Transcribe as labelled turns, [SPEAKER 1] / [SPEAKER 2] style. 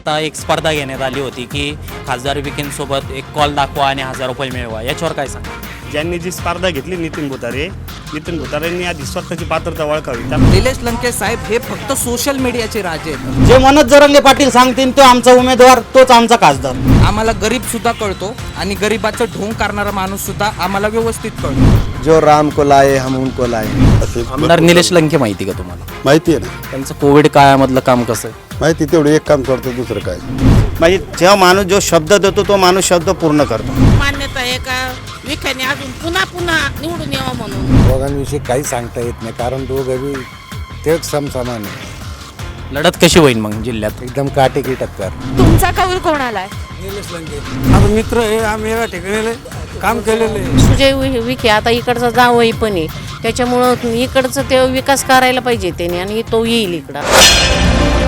[SPEAKER 1] आता एक स्पर्धा घेण्यात आली होती की खासदार विखेंसोबत एक कॉल दाखवा आणि 1000 रुपये मिळवा, याच्यावर काय सांगा?
[SPEAKER 2] ज्यांनी जी स्पर्धा घेतली नितीन भुतारेंनी आधी स्वतःची पात्रता ओळखावी.
[SPEAKER 3] निलेश लंके साहेब हे फक्त सोशल मीडियाचे राजे आहेत.
[SPEAKER 4] जे मनोज जरांगे पाटील सांगतील तो आमचा उमेदवार, तोच आमचा खासदार.
[SPEAKER 3] आम्हाला गरीब सुद्धा कळतो आणि गरीबाचं ढोंग करणारा माणूस सुद्धा आम्हाला व्यवस्थित कळतो.
[SPEAKER 5] जो राम को लाए हम उनको लाए.
[SPEAKER 1] आमदार निलेश लंके माहिती का तुम्हाला?
[SPEAKER 5] माहिती आहे ना,
[SPEAKER 1] त्यांचं कोविड काळामधलं काम कसं आहे?
[SPEAKER 5] माहिती तेवढं एक काम करतो, दुसरं काय.
[SPEAKER 4] म्हणजे जेव्हा माणूस जो शब्द देतो तो माणूस शब्द पूर्ण करतो.
[SPEAKER 6] मान्यता आहे का विखेने अजून पुन्हा पुन्हा निवडून यावं म्हणून?
[SPEAKER 7] दोघांविषयी काही सांगता येत नाही, कारण दोघंही तेच समसमान आहे.
[SPEAKER 1] लढत कशी होईल मग जिल्ह्यात?
[SPEAKER 7] एकदम काटेकी टक्कर.
[SPEAKER 8] तुमचा कौल कोणाला आहे?
[SPEAKER 3] माझा मित्र आहे, आम्ही या ठिकाणी काम केलेलं आहे.
[SPEAKER 6] सुजय विखे आता इकडचा जावई पण आहे, त्याच्यामुळं इकडचं ते विकास करायला पाहिजे त्याने आणि तो येईल इकडं.